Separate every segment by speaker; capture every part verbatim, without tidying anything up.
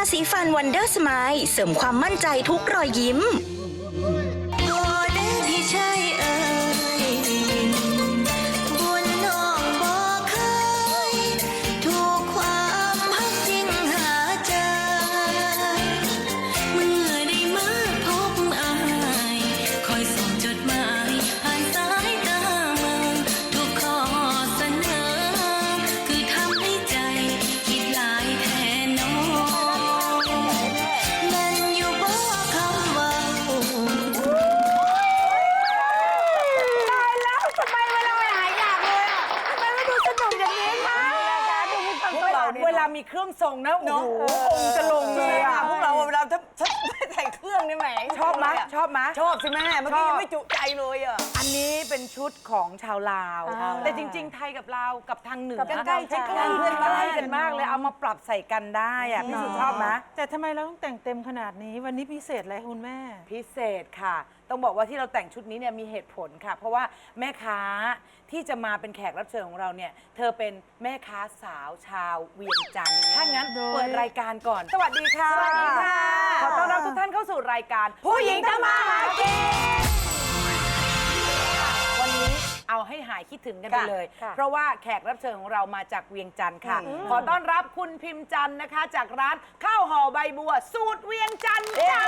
Speaker 1: สีฟันวันเดอร์สไมล์เสริมความมั่นใจทุกรอยยิ้มโอ้เด้พี่ชายเอ๋ยบุญน้องบ่เคยถูกความฮักจริงหาใจเมื่อได้มาพบอายคอยส่งจดหมายผ่านสายตามึงทุกข้อเสนอคือทำให้ใจคิดหลายแทนน้องแม่นอยู่บ่คำว่า
Speaker 2: ตายแล้วทำไมเวลาไปหายอยากเลยอ่ะทำไมไม่ดูสนุกอย่างนี้คะพวกเราเวลามีเครื่องทรงนะโอ้โหองค์จะลงเลยอ่ะ
Speaker 3: พวกเราเวลาถ้าถ้าไม่ใส่เครื่องนี่แหม
Speaker 2: ชอบไหมชอบไหม
Speaker 3: ชอบสิแม่เมื่อกี้ยังไม่จุใจเลยอ่ะ
Speaker 2: อันนี้เป็นชุดของชาวลาว
Speaker 3: ชาวลาว
Speaker 2: แต่จริง ๆ ไทยกับลาวกับทางเหนือ
Speaker 3: ใกล้ๆใกล้ๆ
Speaker 2: ใกล้ๆเพื่อนบ้านกันมากเลยเอามาปรับใส่กันได้อ่ะพี่สุชอบไหม
Speaker 4: แต่ทำไมเราต้องแต่งเต็มขนาดนี้วันนี้พิเศษอะไรคุณแม่
Speaker 2: พิเศษค่ะ ต้องบอกว่าที่เราแต่งชุดนี้เนี่ยมีเหตุผลค่ะ เพราะว่าแม่ค้าที่จะมาเป็นแขกรับเชิญของเราเนี่ยเธอเป็นแม่ค้าสาวชาวเวียงจันทร์ถ้างั้น
Speaker 4: โดย
Speaker 2: เปิดรายการก่อน สวัสดีค่ะ
Speaker 3: สวัสดีค่ะ
Speaker 2: ขอต้อนรับทุกท่านเข้าสู่รายการผู้หญิงทำมาหากินวันนี้เอาให้หายคิดถึงกันไปเลย เพราะว่าแขกรับเชิญของเรามาจากเวียงจันทร์ค่ะ ขอต้อนรับคุณพิมพ์จันทร์นะคะ จากร้านข้าวห่อใบบัว สูตรเวียงจันทร์จ้า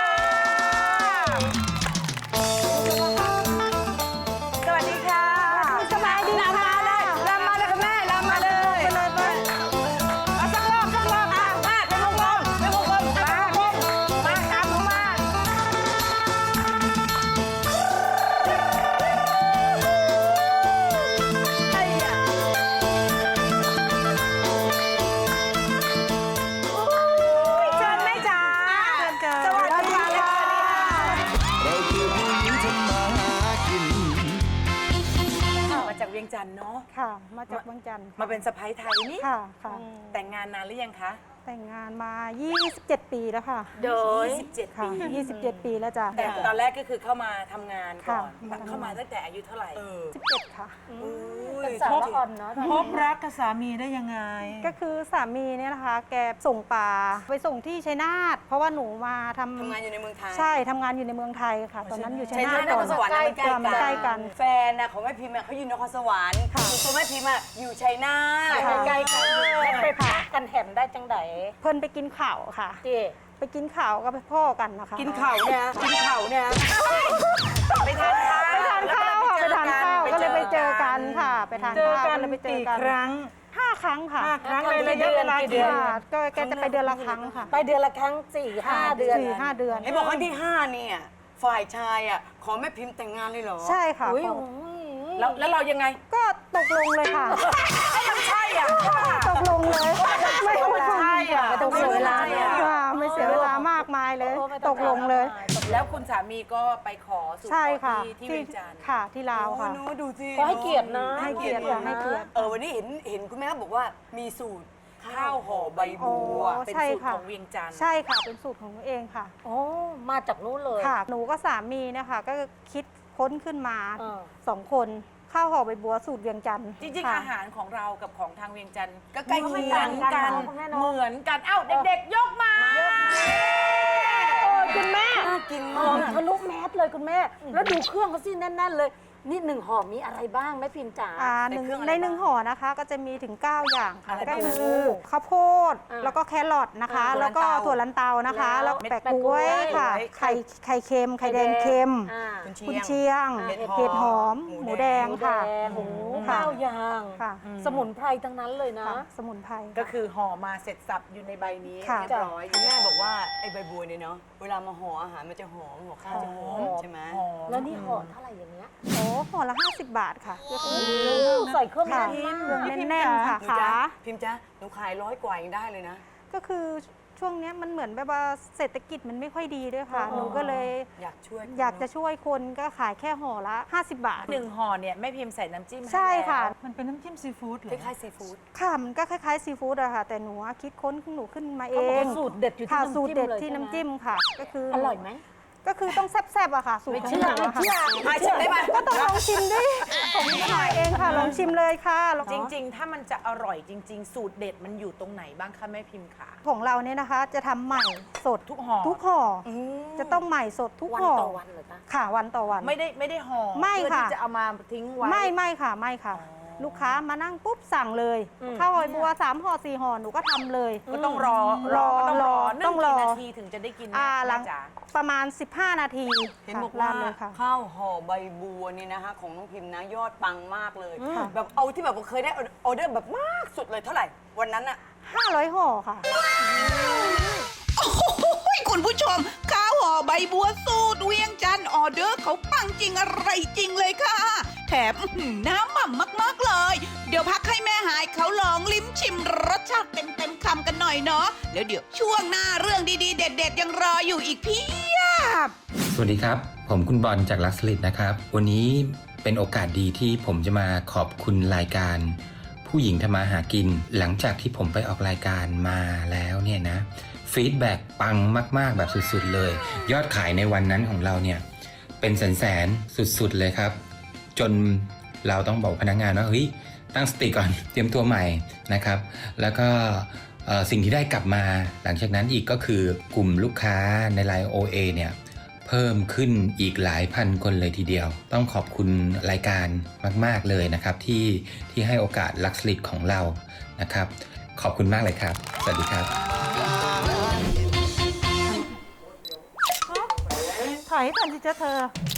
Speaker 2: สวัสดีค่ะสบายดีลำมาเลยลำมาเลยค่ะแม่ลำมาเลยไปเลยไปเอาสักรอบสักรอบอ่ะมาเป็นวงกลมเป็นวงกลมมามาตามเขามาไอ้ยะโอ้ยเชิญแม่จ๋าสวัสดีค่ะ
Speaker 5: เราคือผู้หญิงทำมาหากิน
Speaker 2: มาจากเวียงจันทร์เนาะ
Speaker 4: ค่ะ มาจากบางจันทร์
Speaker 2: มาเป็นสะใภ้ไทยนี่
Speaker 4: ค่ะค่ะ
Speaker 2: แต่งงานนานหรือยังคะ
Speaker 4: แต่งงานมา ยี่สิบเจ็ด ปีแล้วค่ะ
Speaker 2: โดยยี่สิบเจ็ด
Speaker 4: ค่ะ
Speaker 2: ปี
Speaker 4: ยี่สิบเจ็ด ปีแล้วจ้ะ
Speaker 2: แต่ตอนแรกก็คือเข้ามาทำงานก่อน
Speaker 4: ค่ะ
Speaker 2: เข้ามาตั้งแต่อายุเท่าไหร่
Speaker 4: สิบเจ็ดค่ะ
Speaker 3: เป็นสาวละอ่อนเนาะ
Speaker 4: พบรักกับสามีได้ยังไง ก็คือสามีเนี่ยนะคะ แกส่งปลาไปส่งที่ชัยนาทเพราะว่าหนูมาทำ
Speaker 3: ทำงานอยู่ในเมืองไทย
Speaker 4: ใช่ทำงานอยู่ในเมืองไทยค่ะ ตอนนั้นอยู่ชัย
Speaker 3: ชัย
Speaker 4: นา
Speaker 3: นา
Speaker 4: ท
Speaker 3: ทน
Speaker 4: ก่
Speaker 3: ค
Speaker 4: อน
Speaker 3: รสวรรค์มันใกล้
Speaker 4: ค่ะมันใกล้กัน
Speaker 3: แฟนนะของแม่พิมพ์อะเขาอยู่นครสวรรค์ตัวแม่พิมพ์อะอยู่ชัยนาท
Speaker 4: ค่ะ
Speaker 3: ใกล้ๆกัน
Speaker 6: ไปพักกันแถมได้จังได
Speaker 4: เพิ่นไปกินข่าวค่ะ
Speaker 6: เจ๊
Speaker 4: ไปกินข่าวกับพ่อกันนะคะ
Speaker 2: กินเข่าเนี่ยกินเข่าเนี่ยไปทานข้าว
Speaker 4: ไปทานข้าวค่ะไปทานข้าวก็เลยไปเจอกันค่ะ ไปทาน
Speaker 2: เจอ
Speaker 4: ข้าว
Speaker 2: กัน
Speaker 4: ก็เลยไปเจอ
Speaker 2: กี่
Speaker 4: กัน
Speaker 2: ครั้ง
Speaker 4: ห้าครั้งค่ะ
Speaker 2: ห้าครั้งในระยะเวลากี่เดือน
Speaker 4: ค่ะก็แกจะไปเดือนละครั้งค่ะ
Speaker 6: ไปเดือนละครั้งสี่ห้าเดือน
Speaker 4: สี่ห้าเดือน
Speaker 3: ไอ้บอกครั้งที่ห้าเนี่ยฝ่ายชายอะขอแม่พิมพ์แต่งงานเลยเหรอ
Speaker 4: ใช่ค่ะ
Speaker 6: อุ้ย
Speaker 4: ขอ
Speaker 2: แล้วแล้วเรายังไง
Speaker 4: ก็ตกลงเลยค่ะ
Speaker 2: ใช่อ่ะ
Speaker 4: ตกลงเลยไม่ต้อง
Speaker 2: ใช่อ่ะ
Speaker 4: ไม่ต้องเสียเวลา
Speaker 2: ไม่ต้องเสียเวลา
Speaker 4: ค่ะไม่เสียเวลามากมายเลย ตกลงเลย
Speaker 2: แล้วคุณสามีก็ไปขอสู่ข
Speaker 4: ใช่
Speaker 2: อ
Speaker 4: ค่ะ
Speaker 2: ที่ที่เวียงจันทร์
Speaker 4: ค่ะที่ลาว
Speaker 3: โอ้
Speaker 4: ค่ะ
Speaker 3: หนูดูสิ
Speaker 6: ขอให้เกียรตินะ
Speaker 4: ให้เกียรติค่ะให้เกียรติ
Speaker 3: เออวันนี้เห็นเห็นคุณแม่บอกว่ามีสูตร
Speaker 2: ข้าวห่อใบบัว
Speaker 4: โอ้
Speaker 2: เป็น
Speaker 4: ใช่
Speaker 2: สูตร
Speaker 4: ค่ะ
Speaker 2: ของเวียงจันทร์
Speaker 4: ใช่ค่ะเป็นสูตรของหนูเองค่ะ
Speaker 6: โอ้มาจากนู้นเลย
Speaker 4: ค่ะ หนูก็สามีนะคะก็คิดค้นขึ้นมา
Speaker 6: เออ
Speaker 4: สองคนข้าวห่อใบบัวสูตรเวียงจันทร์
Speaker 2: จริงๆ
Speaker 4: ค่ะ
Speaker 2: อาหารของเรากับของทางเวียงจันทร์
Speaker 3: ก็ใกล้
Speaker 2: เห
Speaker 3: เคี
Speaker 2: มื
Speaker 3: ย
Speaker 2: อง นกัน เหมือนกัน เอ้าเด็กๆ ยกมา
Speaker 6: โอ้ยคุณแม่
Speaker 3: น่ากิน
Speaker 6: ห
Speaker 3: มา
Speaker 6: อม
Speaker 3: ก
Speaker 6: ทะลุแมสเลยคุณแม่ แล้วดูเครื่องเขาสิแน่นๆเลย นี่หนึ่งห่อมีอะไรบ้างแม่พิมพ์จ๋า
Speaker 4: อ่าหนึ่งในหนึ่งห่อนะคะก็จะมีถึง เก้า อย่างค่ะ
Speaker 2: อะไร
Speaker 4: ก็
Speaker 2: บ้าง
Speaker 4: คือข้าวโพด
Speaker 6: อ่า
Speaker 4: แล้วก็แครอทนะคะ
Speaker 2: อ่า
Speaker 4: แล้วก็
Speaker 2: ถั่
Speaker 4: ถั่
Speaker 2: ว
Speaker 4: ว
Speaker 2: ลั
Speaker 4: ลั
Speaker 2: น
Speaker 4: น
Speaker 2: เตา
Speaker 4: เตานะคะ
Speaker 6: แล้
Speaker 4: แล้ว ว
Speaker 6: เม็ด
Speaker 4: แปะ
Speaker 6: แปะ
Speaker 4: กล้วย
Speaker 6: กล้วย
Speaker 4: ค่ะ
Speaker 2: ไข่
Speaker 4: ไข่ไข่เค็มไข่แดงเค็ม
Speaker 6: อ่า
Speaker 4: กุนเชียง
Speaker 6: อ่า
Speaker 4: เห็ดหอม
Speaker 3: หมู
Speaker 4: หมู
Speaker 3: แด
Speaker 4: แด
Speaker 3: ง
Speaker 4: ง
Speaker 6: หมูแด
Speaker 4: ค่ะ
Speaker 6: งโอ้โห
Speaker 4: ค่ะ
Speaker 6: ข้าวยาง
Speaker 4: ค่ะ
Speaker 6: สมุนไพรทั้งนั้นเลยนะ
Speaker 4: ค่ะสมุนไพร
Speaker 2: ก็คือห่อมาเสร็จสับอยู่ในใบนี้
Speaker 4: ค่ะ
Speaker 2: เรียบร้อย
Speaker 3: คุณแม่บอกว่าไอ้ใบบัวเนี่ยเนาะเวลามาห่ออาหารมันจะหอมห่อข้าวจะหอมใช่ไหม
Speaker 2: หอม
Speaker 6: แล้วนี่ห่อเท่าไหร่อย่างเงี้ย
Speaker 4: โอ้ห่อละห้าสิบบาทค่ะ
Speaker 6: ใส่เครื่อง
Speaker 4: ค่ะ
Speaker 6: แน่นมาก
Speaker 4: แน่นๆค่ะ
Speaker 3: หนู
Speaker 4: ขา
Speaker 3: จ๊ะพิมพ์จ๊ะหนูขายร้อยกว่ายังได้เลยนะ
Speaker 4: ก็คือช่วงเนี้ยมันเหมือนแบบว่าเศรษฐกิจมันไม่ค่อยดีด้วยค่ะ หนูก็เลย
Speaker 3: อยากช่วย
Speaker 4: อยากจะช่วยคนก็ขายแค่ห่อละห้าสิบบาท
Speaker 2: หนึ่งห่อเนี่ยแม่พิมพ์ใส่น้ำจิ้มห้
Speaker 4: ใช่ค่ะ
Speaker 2: แล้ว
Speaker 4: มันเป็นน้ำจิ้มซีฟู้ดเหร
Speaker 3: ค
Speaker 4: อ
Speaker 3: ล้ายๆซีฟู้ด
Speaker 4: ค่ะ มันก็คล้ายๆซีฟู้ดอะค่ะ แต่หนูอะคิดค้นของหนูขึ้นมาเอ
Speaker 6: เขาบอก
Speaker 4: ง
Speaker 6: ว่าสูตรเด็ดอยู่ที่
Speaker 4: ค่ะ
Speaker 6: น้ำ
Speaker 4: สูตร
Speaker 6: จิ้ม
Speaker 4: เด็ด
Speaker 6: เลย
Speaker 4: ที่
Speaker 6: ใช่ไหม
Speaker 4: น้ำจิ้มค่ะ ก็คือ
Speaker 6: อ
Speaker 4: อ
Speaker 6: ร่อยไหม
Speaker 4: ก็คือต้องแซ่บๆอะค่ะ สูตรของหนูอะค่ะ
Speaker 3: ใช่ชิมได้ไหม
Speaker 4: ก็ต้องลองชิมดิผมก็หน่อยเองค่ะ ลองชิมเลยค่ะลอง
Speaker 2: จริง ๆ ถ้ามันจะอร่อยจริง ๆ สูตรเด็ดมันอยู่ตรงไหนบ้างคะแม่พิมพ์ขา
Speaker 4: ของเราเนี่ยนะคะ จะทำใหม่สด
Speaker 2: ทุกห่อ
Speaker 4: ทุกห่ออจะต้องใหม่สดทุก
Speaker 6: วัน
Speaker 4: ห่อ
Speaker 6: ต่อวันเหรอคะ
Speaker 4: ค่ะวันต่อวัน
Speaker 2: ไม่ได้ไม่ได้ห่อ
Speaker 4: ไม่
Speaker 2: เพื่อ
Speaker 4: ค่ะ
Speaker 2: ที่จะเอามาทิ้งไว้
Speaker 4: ไม่ไม่ค่ะไม่ค่ะ ลูกค้ามานั่งปุ๊บสั่งเลยข้าวหอยบัวสามห่อสี่ห่อหนูก็ทำเลย
Speaker 2: ก็ต้องรอ
Speaker 4: รอ
Speaker 2: ก็ต้องรอ
Speaker 4: รอ
Speaker 2: นึ่
Speaker 4: ต้องรอ
Speaker 2: กี่นาทีถึงจะได้กิน
Speaker 4: อ่าหลัง
Speaker 2: แม่จ๋า
Speaker 4: ประมาณ สิบห้า นาที
Speaker 3: เห็น
Speaker 4: ค่ะ
Speaker 3: บอกว่า
Speaker 4: ราดเลยค่ะ
Speaker 3: ข้าวห่อใบบัวนี่นะคะของน้องพิมพ์นะยอดปังมากเลย
Speaker 4: ค่ะ
Speaker 3: แบบเอาที่แบบว่าเคยได้ออเดอร์แบบมากสุดเลยเท่าไหร่วันนั้นอะ
Speaker 4: ห้าร้อยห่อค่ะ
Speaker 7: โอ้โหคุณผู้ชมข้าวห่อใบบัวสูตรเวียงจันทร์ออเดอร์เขาปังจริงอะไรจริงเลยค่ะ แถมอื้อหือน้ำหม่ำมากๆเลย เดี๋ยวพักให้แม่หายเขาลองลิ้มชิมรสชาติเต็มๆคำกันหน่อยเนาะแล้วเดี๋ยวช่วงหน้าเรื่องดีๆ เด็ดๆยังรออยู่อีกเพียบ
Speaker 8: สวัสดีครับ ผมคุณบอลจากลักสลิดนะครับ วันนี้เป็นโอกาสดีที่ผมจะมาขอบคุณรายการ ผู้หญิงทำมาหากิน หลังจากที่ผมไปออกรายการมาแล้วเนี่ยนะฟีดแบ็กปังมากๆแบบสุดๆเลย ยอดขายในวันนั้นของเราเนี่ยเป็นแสนๆสุดๆเลยครับ จนเราต้องบอกพนักงานว่าเฮ้ยตั้งสติก่อน เตรียมตัวใหม่นะครับ แล้วก็เอ่อสิ่งที่ได้กลับมาหลังจากนั้นอีกก็คือกลุ่มลูกค้าใน ไลน์ โอ เอ เนี่ยเพิ่มขึ้นอีกหลายพันคนเลยทีเดียว ต้องขอบคุณรายการมากๆเลยนะครับที่ที่ให้โอกาสลักสลิดของเรานะครับ ขอบคุณมากเลยครับ สวัสดีครับ
Speaker 4: ถอยก่อนสิจ๊ะเธอ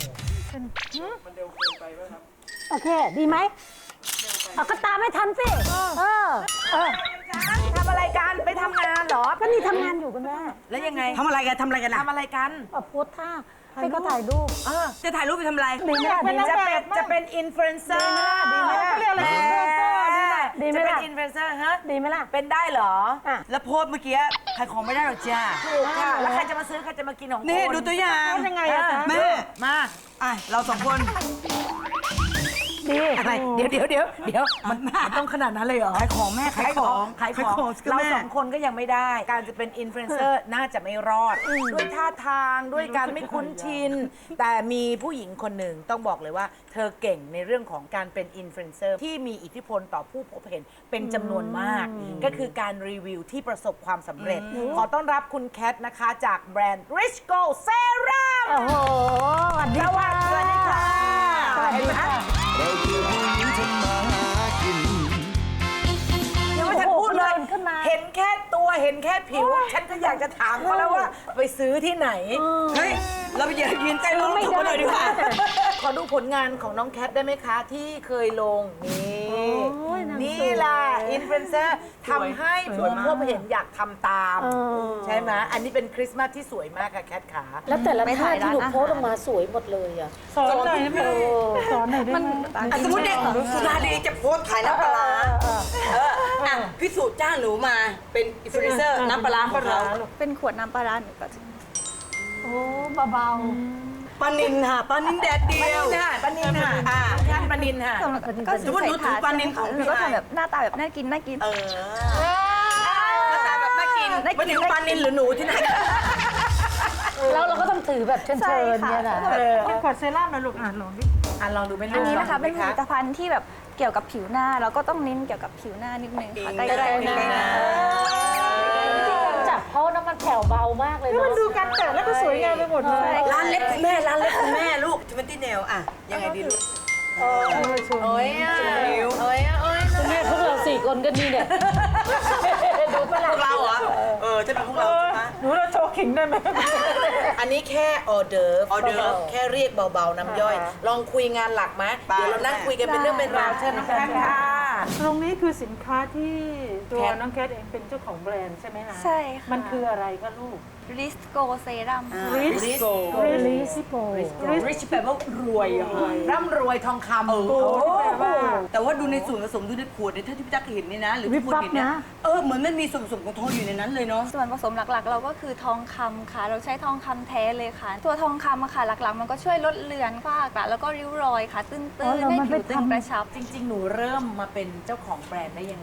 Speaker 6: โอเค ดีไหมเอาก็ตามไม่ทันสิ เออ เออ
Speaker 2: ทำอะไรกันไปทำงานเหรอ
Speaker 6: ก็นี่ทำงานอยู่คุณแม่
Speaker 2: แล้วยังไง
Speaker 3: ทำอะไรกันทำอะไรกันอะ
Speaker 2: ทำอะไรกัน
Speaker 6: เอาโพสท่าให้เขาถ่ายรูป
Speaker 2: เออ
Speaker 3: จะถ่ายรูปไปทำอะไร
Speaker 6: ดีไหมล่ะดีไหม
Speaker 2: จะ
Speaker 6: ล่ะ
Speaker 2: เป็นจะเป็นอินฟลูเอนเซอร์
Speaker 6: ดีไหมล่ะ
Speaker 2: เขาเรียกอะไร
Speaker 6: ดีไหมล่ะดีไหม
Speaker 2: จะเป็น
Speaker 6: ล่ะ
Speaker 2: อินฟลูเอนเซอร์ฮะ
Speaker 6: ดีไหมล่ะ
Speaker 2: เป็นได้เหรอ
Speaker 6: อ่ะ
Speaker 3: แล้วโพสต์เมื่อกี้ขายของไม่ได้หรอกจ้า
Speaker 2: ถูกค่ะ แล้วใครจะมาซื้อใครจะมากินของคุณ
Speaker 3: นี่ดูตัวอย่าง
Speaker 4: ยังไงอะจ๊ะ
Speaker 3: แม่
Speaker 2: มา
Speaker 3: อ่ะเราสองคน
Speaker 6: ดี
Speaker 2: อะไรเดี๋ยวเดี๋ยวเดี๋ยวเดี๋ยวมันมันต้องขนาดนั้นเลยเหรอ
Speaker 3: ขายของแม่ขายของ
Speaker 2: ขายของ
Speaker 3: สิคะ
Speaker 2: เรา
Speaker 3: แม่
Speaker 2: สองคนก็ยังไม่ได้ การจะเป็นอินฟลูเอนเซอร์น่าจะไม่รอด ด้วยท่าทางด้วยการไม่คุ้นชิน แต่มีผู้หญิงคนหนึ่งต้องบอกเลยว่า เธอเก่งในเรื่องของการเป็นอินฟลูเอนเซอร์ที่มีอิทธิพลต่อผู้พบเห็นเป็นจำนวนมาก ก็คือการรีวิวที่ประสบความสำเร็จ ขอต้อนรับคุณแคทนะคะจากแบรนด์ Rich Go Serum
Speaker 6: โอ้โหสวัสดี
Speaker 2: สวัสดีค่ะ
Speaker 6: สวัสดีค่ะ
Speaker 5: เราคือผู้หญิงทำมาหากิน
Speaker 2: ยังไม่ทันพูดเลย
Speaker 6: โอ้โหขึ้นมา
Speaker 2: เห็นแค่ตัวเห็นแค่ผิว ฉันก็อยากจะถามเขาแล้วว่า ไปซื้อที่ไหน
Speaker 3: เฮ้ย เราไปยืนยืนใกล้รถ
Speaker 6: ไม่
Speaker 3: เขา
Speaker 6: ได้
Speaker 3: เลยดีกว่า
Speaker 2: ขอดูผลงานของน้องแคทได้ไหมคะ ที่เคยลง นี่
Speaker 6: ยนาง
Speaker 2: นี่
Speaker 6: สวย
Speaker 2: ล่ะอินฟลูเอนเซอร์ทำให้ผู้พบเห็นอยากทำตาม
Speaker 6: เออ
Speaker 2: ใช่ไหมอันนี้เป็นคริสต์มาสที่สวยมากค่ะแคทขา
Speaker 6: แล้วแต่ละท่าที่หนูโพสต์ออกมาสวยหมดเลยอ่ะ
Speaker 4: สอนหน่อยได้ไหมสอนหน่อยได้ไหม
Speaker 3: อ่ะสมมติเนี่ยสุนารีจะโพสต์ขายน้ำปลาร้าเอออ่ะพี่สูตรจ้างหนูมาเป็นอินฟลูเอนเซอร์น้ำปลาร้าของเรา
Speaker 1: เป็นขวดน้ำปลาร้าหนูก็จะ
Speaker 6: โอ้เบา
Speaker 3: ปลานินค่ะปลานินแดดเดียว
Speaker 2: ค่ะปานินค่ะ
Speaker 3: อ่ะ
Speaker 2: งานปานินค่ะ
Speaker 1: ก็
Speaker 3: สมมุติหนูถือปลานิลของพี่
Speaker 1: หนูก็
Speaker 3: ไอ
Speaker 1: ทำแบบหน้าตาแบบน่ากินน่ากิน
Speaker 3: เออหน้าตาแบบน่ากินไม่ถึงปลานินหรือหนูที่ไหน
Speaker 6: ๆแล้วเราก็ต้องถือแบบเชิญ
Speaker 1: ใช่
Speaker 6: ๆ
Speaker 1: ค่ะ
Speaker 6: เนี่ยนะ
Speaker 2: เออ
Speaker 4: ขวดเซรั่มนะลูกอ่านลองดิ
Speaker 2: อ่ะลองดูไหมลูก
Speaker 1: อันนี้นะคะ
Speaker 2: ลงดู
Speaker 1: เป็น
Speaker 2: ไห
Speaker 1: ผม ลิตภัณฑ์ที่แบบเกี่ยวกับผิวหน้าแล้วก็ต้องเน้นเกี่ยวกับผิวหน้านิดนึงค่ะ
Speaker 3: ใกล้ๆ
Speaker 1: ใกล้ๆหน้า
Speaker 3: ใกล้ๆหน้า
Speaker 6: ที่การจับเพราะน้ำมันแผ่วเบามากเลย
Speaker 4: นี่
Speaker 6: เนาะ
Speaker 4: มันดูการแตะแล้วก็สวยงามไปหมดเลย
Speaker 3: ร้านเล็บคุณแม่ร้านเล็บคุณแม่ลูกทิมันตี้เนลอ่ะยังไงดีลูก
Speaker 2: โอ้ยอ่ะ
Speaker 3: นิ้ว
Speaker 2: โอ้ยอ่ะโอ้ย
Speaker 6: คุณแม่พวกเราสี่คนก็นี่เนี่ย ดูปะ
Speaker 3: พ
Speaker 6: ล่ะ
Speaker 3: วกเราเหรอเออจะเป็นพวกเราใช่ไหม
Speaker 4: หนูเราโชว์ขิงได้ไหม
Speaker 2: อันนี้แค่ออเดิร์ฟ
Speaker 3: ออเดิร์ฟ
Speaker 2: แค่เรียกเบาๆน้ำย่อย ลองคุยงานหลักไหม
Speaker 3: ไป
Speaker 2: เดี๋ยวเรานั่งคุยกันเป็นเรื่องเป็นราวเชิญน้องแคทค่ะ
Speaker 4: ตรงนี้คือสินค้าที่ตัว
Speaker 2: แคท
Speaker 4: น้องแคทเองเป็นเจ้าของแบรนด์ใช่ไหมคะ
Speaker 1: ใช่ค่ะ
Speaker 4: มันคืออะไรคะลูก
Speaker 1: ริสโกเซรั่ม
Speaker 3: ริสโก
Speaker 4: ริสโก
Speaker 3: ริชแปลว่ารวยอ่ะ
Speaker 2: ร่ำรวยทองคำ
Speaker 3: โอ้โห
Speaker 4: แปลว่า
Speaker 3: แต่ว่าดูในส่วนผสมดูในขวดเนี่ยถ้าที่พี่ตั๊กเห็นนี่นะ หรือที่คุณเห็นเนี่ยเออเหมือนมันมีส่วนผสมของทองอยู่ในนั้นเลยเนาะ
Speaker 1: ส่วนผสมหลักๆ เราก็คือทองคำค่ะ เราใช้ทองคำแท้เลยค่ะ ตัวทองคำอะค่ะ หลักๆ มันก็ช่วยลดเลือนฝ้ากระแล้วก็ริ้วรอยค่ะ ตื้นๆให้ผิวตึงกระชับ
Speaker 2: จริง ๆ หนูเริ่มมาเป็นเจ้าของแบรนด์ได้ยังไง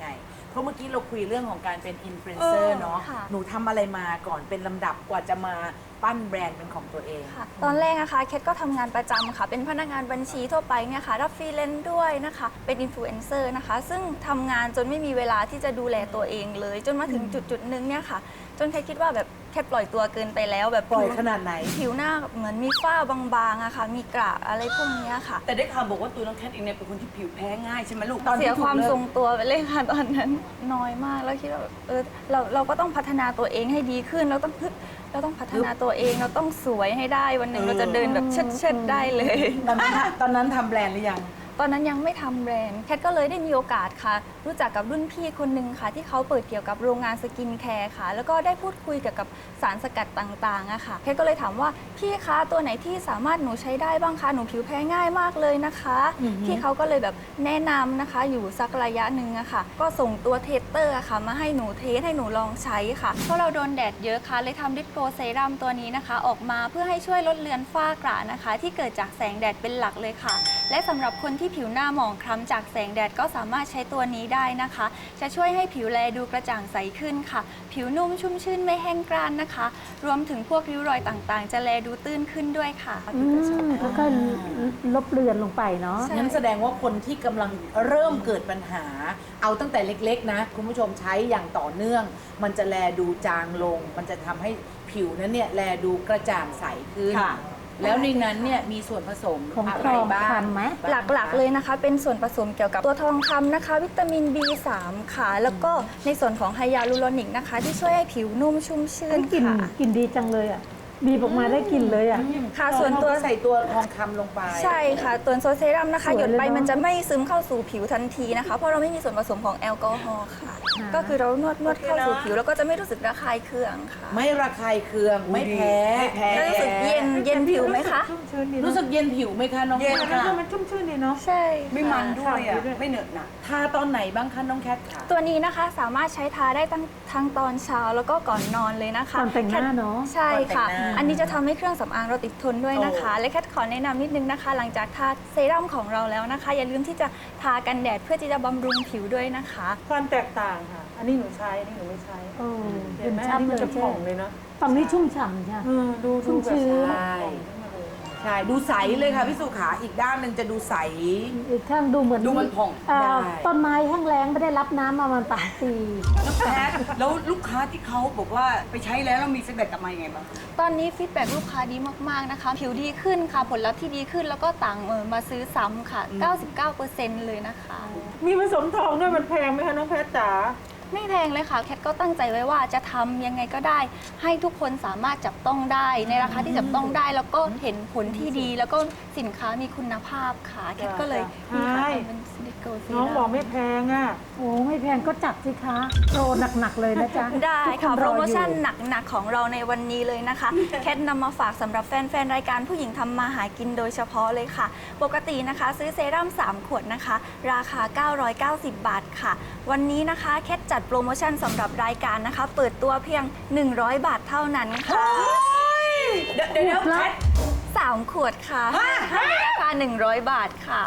Speaker 2: เพราะเมื่อกี้เราคุยเรื่องของการเป็นอินฟลูเอนเซอร์เนาะ
Speaker 9: ค่ะ
Speaker 2: หนูทำอะไรมาก่อนเป็นลำดับกว่าจะมาปั้นแบรนด์เป็นของตัวเอง
Speaker 9: ค่ะตอนแรกนะคะเคทก็ทำงานประจำค่ะ เป็นพนักงานบัญชีทั่วไปเนี่ยค่ะ รับฟรีแลนซ์ด้วยนะคะ เป็นอินฟลูเอนเซอร์นะคะ ซึ่งทำงานจนไม่มีเวลาที่จะดูแลตัวเองเลย จนมาถึงจุดจุดๆนึงเนี่ยค่ะ จนแค่คิดว่าแบบแค่ปล่อยตัวเกินไปแล้วแบบ
Speaker 2: ปล่อยขนาดไหน
Speaker 9: ผิวหน้าเหมือนมีฝ้าบางๆอะค่ะ มีกระอะไรพวกเนี้ยค่ะ
Speaker 3: แต่ได้ข่าวบอกว่าตัวน้องแคทเองเนี่ยเป็นคนที่ผิวแพ้ง่ายใช่ไหมลูก
Speaker 2: ตอนที่
Speaker 9: เสียความ
Speaker 2: ถูกเลิก
Speaker 9: ทรงตัวไปเลยค่ะตอนนั้นน้อยมากแล้วคิดว่าแบบเออเราเราก็ต้องพัฒนาตัวเองให้ดีขึ้นเราต้องฮึบเราต้องพัฒนาตัวเองเราต้องสวยให้ได้วันหนึ่งเราจะเดินแบบเชิดเชิดๆได้เลย
Speaker 2: ตอนนั้นตอนนั้นทำแบรนด์หรือยัง
Speaker 9: ตอนนั้นยังไม่ทำแบรนด์แคทก็เลยได้มีโอกาสค่ะ รู้จักกับรุ่นพี่คนหนึ่งค่ะ ที่เขาเปิดเกี่ยวกับโรงงานสกินแคร์ค่ะ แล้วก็ได้พูดคุยเกี่ยวกับสารสกัดต่างๆอะค่ะแคทก็เลยถามว่าพี่คะตัวไหนที่สามารถหนูใช้ได้บ้างคะหนูผิวแพ้ง่ายมากเลยนะคะพี่เขาก็เลยแบบแนะนำนะคะ อยู่สักระยะหนึ่งอะค่ะ ก็ส่งตัวเทสเตอร์อะค่ะ มาให้หนูเทสให้หนูลองใช้ค่ะเพราะเราโดนแดดเยอะค่ะเลยทำดิสโกเซรั่มตัวนี้นะคะ ออกมาเพื่อให้ช่วยลดเลือนฝ้ากระนะคะ ที่เกิดจากแสงแดดเป็นหลักเลยค่ะ และสำหรับคนที่ผิวหน้าหมองคล้ำจากแสงแดดก็สามารถใช้ตัวนี้ได้นะคะ จะช่วยให้ผิวแลดูกระจ่างใสขึ้นค่ะ ผิวนุ่มชุ่มชื่นไม่แห้งกร้านนะคะ รวมถึงพวกริ้วรอยต่างๆ จะแลดูตื้นขึ้นด้วยค่ะ
Speaker 6: อืมแล้วก็ลบเลือนลงไปเนาะ
Speaker 9: ใช่
Speaker 2: งั้นแสดงว่าคนที่กำลังเริ่มเกิดปัญหา เอาตั้งแต่เล็กๆนะ คุณผู้ชมใช้อย่างต่อเนื่อง มันจะแลดูจางลง มันจะทำให้ผิวนั้นเนี่ยแลดูกระจ่างใสขึ้น แล้วในนั้นเนี่ยมีส่วนผสม
Speaker 6: ของ
Speaker 2: อะ
Speaker 6: ท
Speaker 2: ไร
Speaker 6: อง
Speaker 2: บ้าง
Speaker 6: คำไหม
Speaker 9: หลักๆเลยนะคะ เป็นส่วนผสมเกี่ยวกับตัวทองคำนะคะ วิตามิน บี สาม ค่ะ แล้วก็ในส่วนของไฮยาลูโรนิกนะคะ ที่ช่วยให้ผิวนุ่มชุ่มชื่น
Speaker 6: กลิ่น
Speaker 9: ค่ะ
Speaker 6: กลิ่นดีจังเลยอ่ะ บีบออกมาได้กลิ่นเลยอ่ะ
Speaker 9: ค่ะส่วนตัว
Speaker 2: ใส่ตัวทองคำลงไป
Speaker 9: ใช่ค่ะตัวโซเซรั่มนะคะ
Speaker 6: สวย
Speaker 9: หยดไป
Speaker 6: เลยเนอะ
Speaker 9: มันจะไม่ซึมเข้าสู่ผิวทันทีนะคะ เพราะเราไม่มีส่วนผสมของแอลกอฮอล์ค่ะ ก็คือเรานวดนวดเข้าสู่ผิวแล้วก็จะไม่รู้สึกระคายเคืองค่ะ
Speaker 2: ไม่ระคายเคือง ไม่แพ้
Speaker 9: แล้วรู้สึกเย็นเย็นผิวไหมคะ
Speaker 6: ชุ่มชื้นดีเนอะ
Speaker 2: รู้สึกเย็นผิวไหมคะน้อง
Speaker 3: เย็น
Speaker 2: แคท
Speaker 3: ค่ะ
Speaker 6: มันชุ่มชื่นดีเนาะ
Speaker 9: ใช่
Speaker 3: ไม่มัน
Speaker 9: ค่ะ
Speaker 3: ด้วยอ่ะ ไม่เหนอะหนะ
Speaker 2: ทาตอนไหนบ้างคะน้องแคทค่ะ
Speaker 9: ตัวนี้นะคะสามารถใช้ทาได้ทั้งทั้งตอนเช้าแล้วก็ก่อนนอนเลยนะคะ
Speaker 6: ก่อนแต่งหน้าเนอะ
Speaker 9: ใช่ค่ะ
Speaker 2: ก่อนแต่งหน้า
Speaker 9: อันนี้จะทำให้เครื่องสำอางเราติดทนด้วยนะคะ และแคทขอแนะนำนิดนึงนะคะ หลังจากทาเซรั่มของเราแล้วนะคะ อย่าลืมที่จะทากันแดดเพื่อที่จะบำรุงผิวด้วยนะคะ
Speaker 10: ความแตกต่างค่ะ อันนี้หนูใช้ อันนี้หนูไม่ใช้
Speaker 6: เออ
Speaker 10: เห็นไหม
Speaker 6: ชั
Speaker 10: อั
Speaker 6: ด
Speaker 10: นนี้
Speaker 6: เล
Speaker 10: มัน
Speaker 6: ย
Speaker 10: จะ
Speaker 6: ใช่
Speaker 10: ผ่องเลยเนาะ
Speaker 6: ฝั่งนี้ชุ่มฉ่ำใช่
Speaker 10: เออดู
Speaker 6: ชุ่
Speaker 10: ดู
Speaker 6: ม
Speaker 10: แบบ
Speaker 6: ชื้น
Speaker 2: ใช่ใช่ดูใสเลยค่ะพี่สุขาอีกด้านหนึ่งจะดูใส
Speaker 6: อีกข้างดูเหมือน
Speaker 2: ดูมันผ่อง
Speaker 6: เอ่อ
Speaker 2: ได้
Speaker 6: ต้นไม้แห้งแล้งไม่ได้รับน้ำมาประมันสามปี
Speaker 3: น้องแคทแล้วลูกค้าที่เขาบอกว่าไปใช้แล้วแล้วมีฟีดแบ็กกลับมายังไงบ้าง
Speaker 9: ตอนนี้ฟีดแบ็กลูกค้าดีมากๆนะคะ ผิวดีขึ้นค่ะ ผลลัพธ์ที่ดีขึ้นแล้วก็ต่างเออมาซื้อซ้ำค่ะ เก้าสิบเก้าเปอร์เซ็นต์ เลยนะคะ
Speaker 10: มีผสมทองด้วยมันแพงไหมคะน้องแพทจ๋า
Speaker 9: ไม่แพงเลยค่ะ แคทก็ตั้งใจไว้ว่าจะทำยังไงก็ได้ ให้ทุกคนสามารถจับต้องได้ ในราคาที่จับต้องได้ แล้วก็เห็นผลที่ดี แล้วก็สินค้ามีคุณภาพค่ะ แคทก็เลยมีค่ะเป็นดิโกซี
Speaker 10: น้องบอกไม่แพงอ่ะ
Speaker 6: โอ้ไม่แพงก็จัดสิคะโปรหนัก ๆ เลยนะจ๊ะ
Speaker 9: ได้
Speaker 6: ทุก
Speaker 9: ค่ะ
Speaker 6: น
Speaker 9: โปรโมชั่น
Speaker 6: ออยู่
Speaker 9: หนัก ๆ ของเราในวันนี้เลยนะคะ แคทนำมาฝากสำหรับแฟน ๆ รายการผู้หญิงทำมาหากินโดยเฉพาะเลยค่ะ ปกตินะคะ ซื้อเซรั่มสามขวดนะคะ ราคา เก้าร้อยเก้าสิบ บาทค่ะ วันนี้นะคะแคทจัดโปรโมชั่นสำหรับรายการนะคะ เปิดตัวเพียง หนึ่งร้อย บาทเท่านั้นค่ะ
Speaker 3: เดี๋ยวเดี๋ยวแคท
Speaker 9: สามขวดค่ะให้ในราคา หนึ่งร้อย บาทค่ะ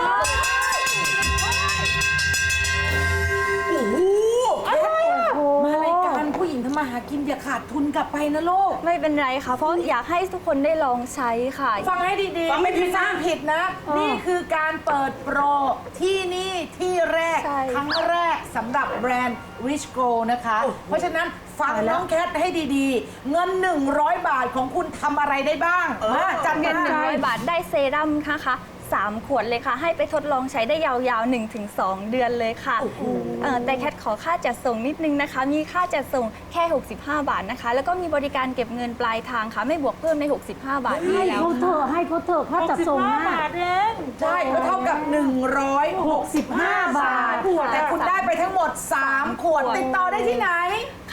Speaker 2: โอ้โหมารายการผู้หญิงทำมาหากินอย่าขาดทุนกลับไปนะลูก
Speaker 9: ไม่เป็นไรค่ะ เพราะอยากให้ทุกคนได้ลองใช้ค่ะ
Speaker 2: ฟังให้ดีๆ
Speaker 3: ฟังไม่ผิด
Speaker 2: สร้างผิดนะ นี่คือการเปิดโปรที่นี่ที่แรก
Speaker 9: ใช่
Speaker 2: ครั้งแรกสำหรับแบรนด์ Rich Go นะคะ เพราะฉะนั้นฟังน้องแคทให้ดีๆ เงิน หนึ่งร้อย บาทของคุณทำอะไรได้บ้างมาจัด
Speaker 9: เงิน
Speaker 2: มา
Speaker 9: หนึ่งร้อยบาทได้เซรั่มนะคะสามขวดเลยค่ะ ให้ไปทดลองใช้ได้ยาวๆ หนึ่งถึงสอง เดือนเลยค่ะเอ่อแต่แคทขอค่าจัดส่งนิดนึงนะคะ มีค่าจัดส่งแค่ หกสิบห้า บาทนะคะ แล้วก็มีบริการเก็บเงินปลายทางค่ะ ไม่บวกเพิ่มใน หกสิบห้า บาทนี้
Speaker 6: ให้
Speaker 9: แล้ว
Speaker 6: เขาเถอะให้เขาเถอะค่าจัดส่ง
Speaker 10: หกสิบห้า
Speaker 6: นะ
Speaker 10: บาทเอง
Speaker 2: ใช่ก็เท่ากับ หนึ่งร้อยหกสิบห้า บาท
Speaker 6: ขวด
Speaker 2: แต่คุณได้ไปทั้งหมด สาม ขวด ติดต่อได้ที่ไหน
Speaker 9: ค่ะ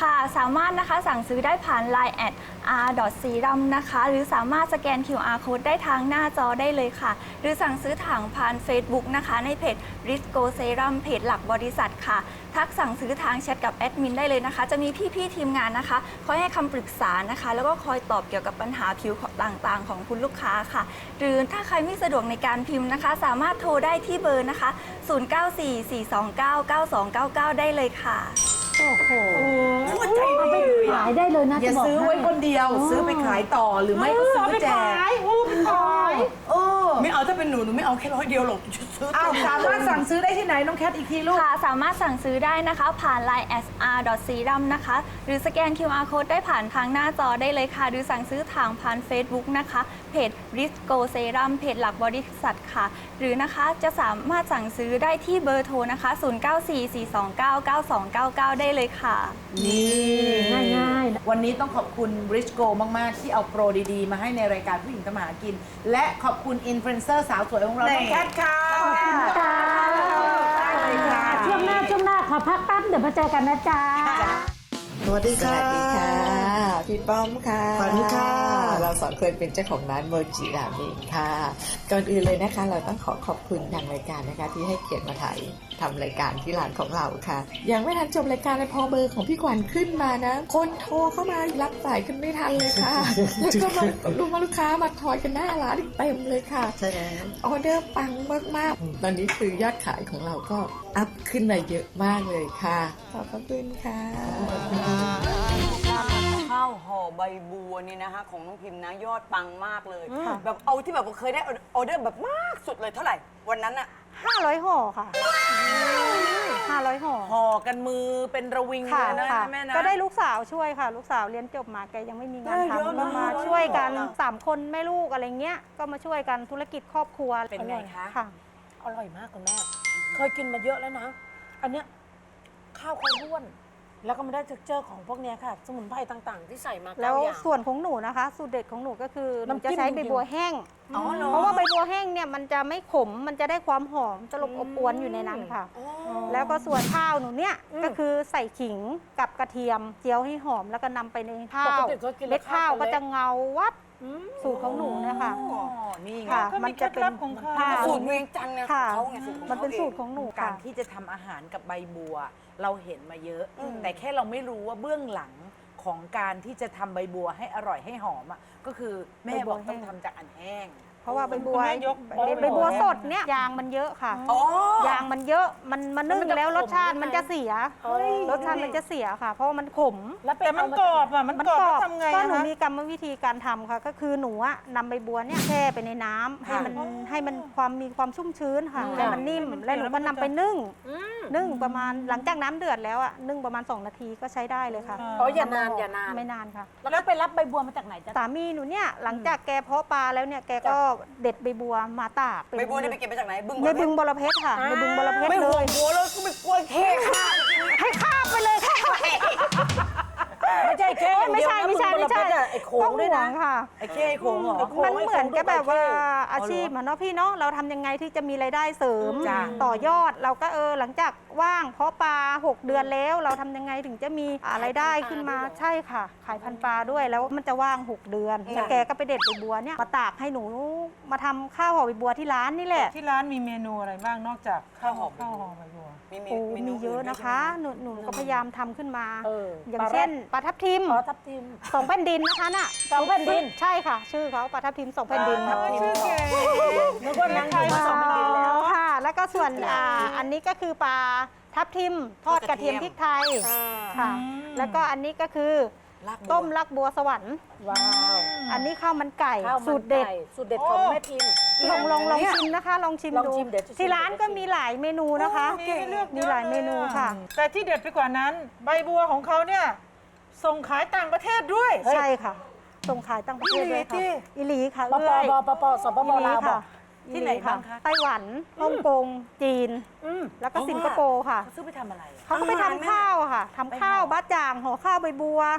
Speaker 9: ค่ะ สามารถนะคะสั่งซื้อได้ผ่าน ไลน์ แอท อาร์ ซีรัม นะคะ หรือสามารถสแกน คิว อาร์ Code ได้ทางหน้าจอได้เลยค่ะ หรือสั่งซื้อทางผ่าน Facebook นะคะ ในเพจ Risco Serum เพจหลักบริษัทค่ะ ทักสั่งซื้อทางแชทกับแอดมินได้เลยนะคะ จะมีพี่ๆทีมงานนะคะคอยให้คำปรึกษานะคะ แล้วก็คอยตอบเกี่ยวกับปัญหาผิวต่างๆ ของคุณลูกค้าค่ะ หรือถ้าใครไม่สะดวกในการพิมพ์นะคะ สามารถโทรได้ที่เบอร์นะคะ ศูนย์ เก้า สี่ สี่ สอง เก้า เก้า สอง เก้า เก้า ได้เลยค่ะ
Speaker 6: โอ้โห
Speaker 3: หัวใจดีเลย
Speaker 6: ขายได้เลยนะ
Speaker 2: อย่า
Speaker 6: จะบก
Speaker 2: ซื้อไว้คนเดียว ซื้อไปขายต่อหรือไม่ก็ซื้อแจก เออ
Speaker 3: ไม่เอาถ้าเป็นหนูหนูไม่เอาแค่ร้อยเดียวหรอกจะซื้อ
Speaker 2: อ้าวสามารถสั่งซื้อได้ที่ไหนน้องแคทอีกทีลูก
Speaker 9: ค่ะ สามารถสั่งซื้อได้นะคะ ผ่าน ไลน์ แอท อาร์ ซีรัม นะคะ หรือสแกน คิว อาร์ Code ได้ผ่านทางหน้าจอได้เลยค่ะ หรือสั่งซื้อทางผ่าน Facebook นะคะ เพจ Risco Serum เพจหลักบริษัทค่ะ หรือนะคะจะสามารถสั่งซื้อได้ที่เบอร์โทรนะคะ ศูนย์ เก้า สี่ สี่ สอง เก้า เก้า สอง เก้า เก้า ได้เลยค่ะ
Speaker 2: นี่
Speaker 6: ง่ายๆ
Speaker 2: วันนี้ต้องขอบคุณ Bridgeco มาก ๆ ที่เอาโปรดี ๆ มาให้ในรายการผู้หญิงทำมาหากิน และขอบคุณอินฟลูเอนเซอร์สาวสวยของเราน้องแคทค่ะขอบคุณค่ะได้เลยค่ะ
Speaker 6: ช่วงหน้าช่วงหน้าขอพักแป๊บเดี๋ยวมาเจอกันนะจ๊ะ
Speaker 11: สวัสดีค่ะ
Speaker 12: สวัสดีค่ะ พี่ป้อมค่ะ
Speaker 11: ขวัญค่ะ
Speaker 12: เราสองคนเป็นเจ้าของร้านโมจิราเมงค่ะ ก่อนอื่นเลยนะคะ เราต้องขอขอบคุณทางรายการนะคะ ที่ให้เกียรติมาถ่ายทำรายการที่ร้านของเราค่ะ ยังไม่ทันจบรายการเลยพอเบอร์ของพี่ขวัญขึ้นมานะ คนโทรเข้ามารับสายกันไม่ทันเลยค่ะ แล้วก็มาลูกมาลูกค้ามาทอยกันหน้าร้านเต็มเลยค่ะ
Speaker 11: ใช่แล้ว
Speaker 12: ออเดอร์ปังมากๆ ตอนนี้คือยอดขายของเราก็อัพขึ้นมาเยอะมากเลยค่ะ ขอบพระคุณค่ะ
Speaker 3: ข้าวห่อใบบัวนี่นะคะของน้องพิมพ์นะยอดปังมากเลย แบบเอาที่แบบว่าเคยได้ออเดอร์แบบมากสุดเลยเท่าไหร่ วันนั้นอะ
Speaker 4: ห้าร้อยห่อค่ะห้าร้อยห่อ
Speaker 2: ห่อกันมือเป็นระวิง
Speaker 4: ค่ะ
Speaker 2: เลยนะ
Speaker 4: ค่ะ
Speaker 2: แม่นะ
Speaker 4: ก็ได้ลูกสาวช่วยค่ะ ลูกสาวเรียนจบมาแกยังไม่มีงาน
Speaker 2: ได้เยอะ
Speaker 4: ทำก็
Speaker 2: มาก
Speaker 4: มา
Speaker 2: เลย
Speaker 4: ช่วยกัน
Speaker 2: เหรอ
Speaker 4: สามคนแม่ลูกอะไรเงี้ย ก็มาช่วยกันธุรกิจครอบครัว
Speaker 2: เป็นไงคะ
Speaker 4: ค่ะ
Speaker 6: อร่อยมากคุณแม่ เคยกินมาเยอะแล้วนะ อันเนี้ยข้าวคนร่วน แล้วก็ไม่ได้เท็กเจอร์ของพวกเนี้ยค่ะ สมุนไพรต่างๆ ที่ใส่มา
Speaker 4: แล้ว
Speaker 6: เก้าอย่าง
Speaker 4: ส่วนของหนูนะคะ สูตรเด็ดของหนูก็คือหนู
Speaker 6: น้ำจิ้
Speaker 4: จะ
Speaker 6: ม
Speaker 4: ใช้
Speaker 6: จริงๆ
Speaker 4: ใบบัวแห้ง
Speaker 2: อ๋อเหรอ
Speaker 4: เพราะว่าใบบัวแห้งเนี่ยมันจะไม่ขม มันจะได้ความหอมตลบอบอวนอยู่ในนั้นค่ะ แล้วก็ส่วนข้าวหนูเนี่ยก็คือใส่ขิงกับกระเทียมเจียวให้หอมแล้วก็นำไปในข้า
Speaker 6: ปก
Speaker 4: ว
Speaker 6: ติก็กิน
Speaker 4: เม็ดข้าวก็จะ
Speaker 6: เละ
Speaker 4: เงาวับสูตรของหนูเนะคะ
Speaker 2: อ๋อนี่ไง
Speaker 4: ค่ะ
Speaker 10: ก็มี
Speaker 4: มันจะเป็น
Speaker 10: เคล็ดลับของเขา
Speaker 4: ค่ะ
Speaker 3: สูตรเวียงจันทร์ไงของ
Speaker 4: ค่ะ
Speaker 3: เขาไงสูตรของ
Speaker 4: มันเป็น
Speaker 3: ขา
Speaker 4: สูตรของหนู
Speaker 2: กา
Speaker 4: ค่ะ
Speaker 2: รที่จะทำอาหารกับใบบัว เราเห็นมาเยอะ แต่แค่เราไม่รู้ว่าเบื้องหลังของการที่จะทำใบบัวให้อร่อยให้หอมอ่ะก็คือแม่บอกต้องทำจากอันแห้ง
Speaker 4: เพราะว่าใบบัว
Speaker 10: คุณแม่ยก
Speaker 4: ใบใบบัวสดเนี่ยยางมันเยอะค่ะ
Speaker 3: อ๋อ
Speaker 4: ยางมันเยอะมันมันนึ่ง
Speaker 6: แล้วมันจะ
Speaker 4: แล้วรสชาติ
Speaker 6: ขม
Speaker 4: มันจะเสีย
Speaker 6: เฮ้ย
Speaker 4: รสชาติมันจะเสียค่ะ เพราะว่ามันขม
Speaker 6: แล้วไป
Speaker 10: แต่มัน
Speaker 6: เาก
Speaker 10: รอบอ่ะ มันกรอบแล้วทำไง
Speaker 4: ก็
Speaker 10: อะ
Speaker 4: หนู
Speaker 10: คะ
Speaker 4: มีกรรมวิธีการทำค่ะ ก็คือหนูอะนำใบบัวเนี่ยแช่ไปในน้ำให้มันให้มันความมีความชุ่มชื้นค่ะให้มันนิ่มแล้วหนูก็นำไปนึ่งนึ่งประมาณหลังจากน้ำเดือดแล้วอะนึ่งประมาณสองนาทีก็ใช้ได้เลยค่ะ
Speaker 6: อ๋ออย่านานอย่านาน
Speaker 4: ไม่นานค่ะ
Speaker 6: แล้วไปรับใบบัวมาจากไหนจ๊ะ
Speaker 4: สามีหนูเนี่ยหลังจากแกเพาะปลาแล้วเนี่ยแกก็เด็ดใบบัวมาตากเป็น
Speaker 3: ใบบัวนี่ไปเก็บมาจากไหนบึง
Speaker 4: ในบึงบรเพชรค่ะในบึงบรเพชร
Speaker 3: ไม่
Speaker 4: เล
Speaker 3: ห่วย งหัวแล้วก็ไม่กลัวเท่ค่ะ
Speaker 4: ให้ข้ามไปเลยค่ะ
Speaker 6: ไม่ใช่แค่อย่าง
Speaker 4: ไม่
Speaker 6: เดียว
Speaker 4: ใช่
Speaker 6: นะ
Speaker 4: ไม่ใช่
Speaker 6: มึง
Speaker 4: ไม่ใช่
Speaker 6: บรเพชรอะไอ้โขงด้วยนะ
Speaker 4: ต้องห่วงค่ะ
Speaker 2: ไอ้เข้โค้งเหรอ
Speaker 4: มันเหมือนกับแบบว่าอาชีพ
Speaker 6: อ๋อเหรอ
Speaker 4: อะเนาะพี่เนาะเราทำยังไงที่จะมีรายได้เสริม
Speaker 2: จ้ะ
Speaker 4: ต่อยอดเราก็เออหลังจากว่างเพาะปลาหกเดือนแล้ว เราทำยังไงถึงจะมีอะไรายได้ขึ้นมาใช่ค่ะ ขายพันธุ์ปลาด้วยแล้วมันจะว่างหกเดือนแล้วแกก็ไปเด็ดใบบัวเนี่ยมาตากให้หนูมาทำข้าวห่อใบบัวที่ร้านนี่แหละ
Speaker 10: ที่ร้านมีเมนูอะไรบ้างนอกจาก
Speaker 3: ข้าวหอม
Speaker 10: ข้าวหอมใบบัว
Speaker 3: มีมี
Speaker 4: โอ้
Speaker 3: เมนู
Speaker 4: มีเยอะ
Speaker 3: ด้ว
Speaker 4: นะ
Speaker 3: ใช่
Speaker 4: คะ
Speaker 3: ไหม
Speaker 4: หนูหนูก็พยายามทำขึ้นมา
Speaker 6: เออ
Speaker 4: อย่าง
Speaker 6: ปลาแรด
Speaker 4: เช่นปลาทับทิม
Speaker 6: อ๋อทับทิม
Speaker 4: สองแผ่นดินนะคะน่ะ
Speaker 6: สองแผ่นดิน
Speaker 4: ใช่ค่ะ ชื่อเขาปลาทับทิมสองแผ่นดิน
Speaker 6: ปลาทับทิม นึกว่านั่งอยู่มาสองแผ่นดินแล้ว
Speaker 4: ค่ะ แล้วก็ส่วนอ่าอันนี้ก็คือปลาทับทิมทอดกระเทียมพริกไทยค่ะ แล้วก็อันนี้ก็คือ
Speaker 3: ลากบัว
Speaker 4: ต้มลักบัวสวรรค์
Speaker 6: ว้าว
Speaker 4: อันนี้ข้าวมันไก่
Speaker 6: ข้าวมัน
Speaker 4: สูตรเด็ด
Speaker 6: ไก่สูตรเด็ดของแม่พิมพ์
Speaker 4: ลองลองลองชิมนะคะ ลองชิม
Speaker 6: ลอง
Speaker 4: ดู
Speaker 6: ชิมเดี๋ยวจะชิม
Speaker 4: ที่ร้านก็มีหลายเมนูนะคะ
Speaker 10: มีให้เลือก
Speaker 4: มี
Speaker 10: เยอะ
Speaker 4: หลายเมนูค่ะ
Speaker 10: แต่ที่เด็ดไปกว่านั้น ใบบัวของเขาเนี่ยส่งขายต่างประเทศด้วย
Speaker 4: ใช่ค่ะ ส่งขายต่างประเทศด้วยค่ะ
Speaker 10: อีหลีที่
Speaker 4: อิหลีค่ะ
Speaker 6: ปป
Speaker 4: เอ้ย
Speaker 6: ปปสปป
Speaker 4: อิหลี
Speaker 6: ลาวบอ
Speaker 4: ค่ะ
Speaker 6: ก
Speaker 2: ที่ไหนบ้างคะ
Speaker 4: ไต้หวัน ฮ่องกง จีน
Speaker 6: อืม
Speaker 4: แล้วก็สิงคโปร์ค่ะ
Speaker 2: เขาซื้อไปทำอะไรอะ
Speaker 4: เขาก็ไปทำข้าวอะค่ะทำข้าวบ้าจ่างห่อข้าวใบบัว